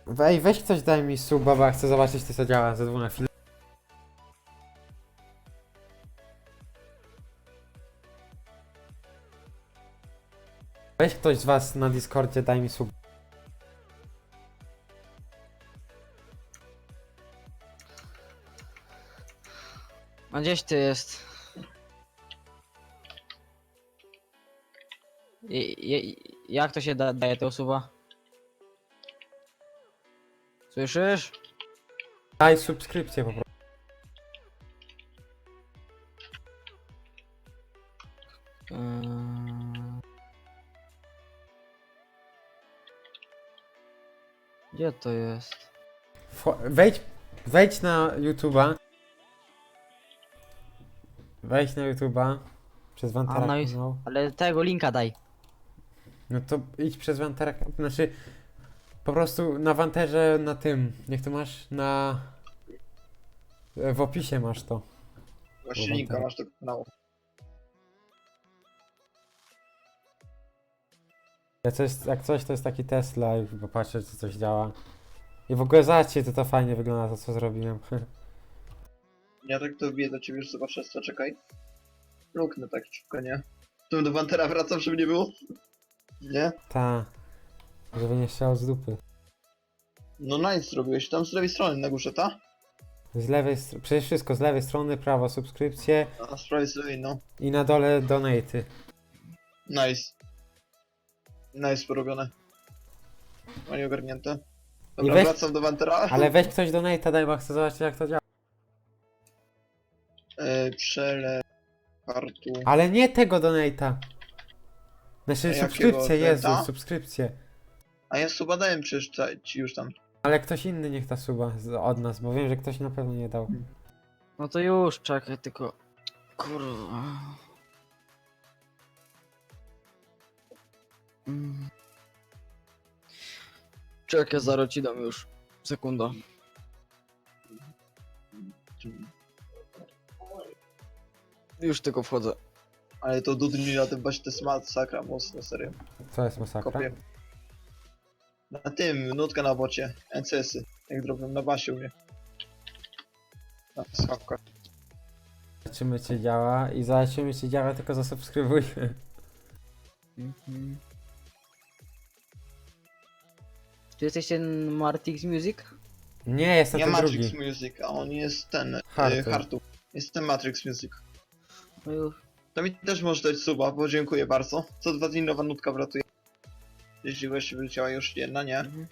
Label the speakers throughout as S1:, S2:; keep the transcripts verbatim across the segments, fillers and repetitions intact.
S1: Wej, weź ktoś daj mi suba, bo ja chcę zobaczyć co to działa ze dwóch na chwilę. Weź ktoś z was na Discordzie, daj mi sub.
S2: A gdzieś ty jest? I, i, jak to się da, daje tego suba? Słyszysz?
S1: Daj subskrypcję po prostu.
S2: Eee... Gdzie to jest?
S1: Wcho- Wejdź, wejdź na YouTube'a. Wejdź na YouTube'a. Przez
S2: A,
S1: Wantara
S2: no i-
S1: kanał.
S2: Ale tego linka daj.
S1: No to idź przez Wantara, znaczy po prostu na Wanterze na tym, jak to masz na... W opisie masz to.
S3: Właśnie linka masz do kanału.
S1: Jak coś, jak coś to jest taki Tesla i popatrzę czy coś działa. I w ogóle zobaczcie to to fajnie wygląda to co zrobiłem.
S3: Ja tak to wbiję do ciebie już zobaczę, co czekaj. Luknę tak szybko, nie? Tu do Wantera wracam, żeby nie było? Nie?
S1: Ta. Żeby nie chciał z dupy.
S3: No nice zrobiłeś, tam z lewej strony na górze, ta?
S1: Z lewej strony, przecież wszystko z lewej strony, prawo subskrypcje
S3: A z prawej z lewej, no.
S1: i na dole donaty.
S3: Nice. Nice porobione. Fajnie ogarnięte. Dobra,
S1: weź-
S3: wracam do Wantera.
S1: Ale weź ktoś donata daj, bo chcę zobaczyć jak to działa.
S3: E, przele... Kartu...
S1: Ale nie tego donata. Znaczy
S3: A jakiego?
S1: subskrypcję, Jezu,
S3: Donata?
S1: subskrypcję.
S3: A ja suba dałem przecież ca- ci już tam.
S1: Ale ktoś inny niech ta suba z- od nas, bo wiem, że ktoś na pewno nie dał.
S2: No to już, czekaj, tylko... Kurwa... Mm. Czekaj, zaraz ci dam już. Sekunda. Już tylko wchodzę.
S3: Ale to Dudni na tym właśnie to jest masakra mocno, serio.
S1: Co jest masakra?
S3: Kopię. Na tym, nutka na bocie, N C S-y, jak drobią na basie u mnie. Na skawkach.
S1: Zobaczymy czy działa i zobaczymy czy działa, tylko zasubskrybuj.
S2: Mhm. Czy jesteś ten Martix Music?
S1: Nie, jest to
S3: Ja
S1: ten
S3: Matrix
S1: drugi.
S3: Music, a on jest ten,
S1: Hartu.
S3: y, Hartu. Jest ten Matrix Music.
S2: No już.
S3: To mi też może dać suba, bo dziękuję bardzo. Co dwa dni nowa nutka wratuje. Jeśli właśnie wyleciała już jedna, nie?
S2: Mhm.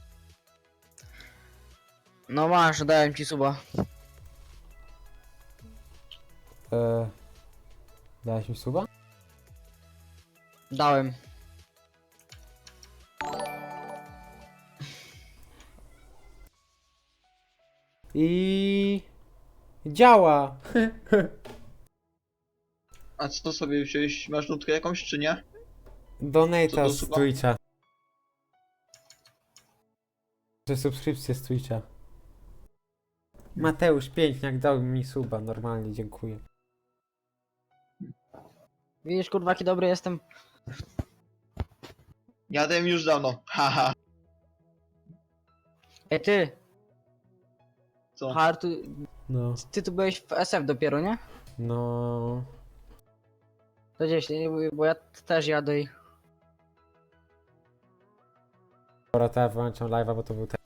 S2: No masz, dałem ci suba.
S1: Eee, dałeś mi suba?
S2: Dałem.
S1: I działa.
S3: A co sobie wziąłeś? Masz nutkę jakąś, czy nie? Co
S1: Donata
S3: to
S1: z
S3: suba?
S1: Twitcha. Że subskrypcję z Twitcha. Mateusz Piękniak dał mi suba, normalnie dziękuję.
S2: Widzisz, kurwa, jaki dobry jestem.
S3: Ja dałem już dawno, haha.
S2: Ej, ty!
S3: Co?
S2: Hartu,
S1: No,
S2: ty tu byłeś w S F dopiero, nie?
S1: no.
S2: To gdzieś, nie? Bo ja też jadę i...
S1: Dobra, to ja wyłączam live'a, bo to był ten.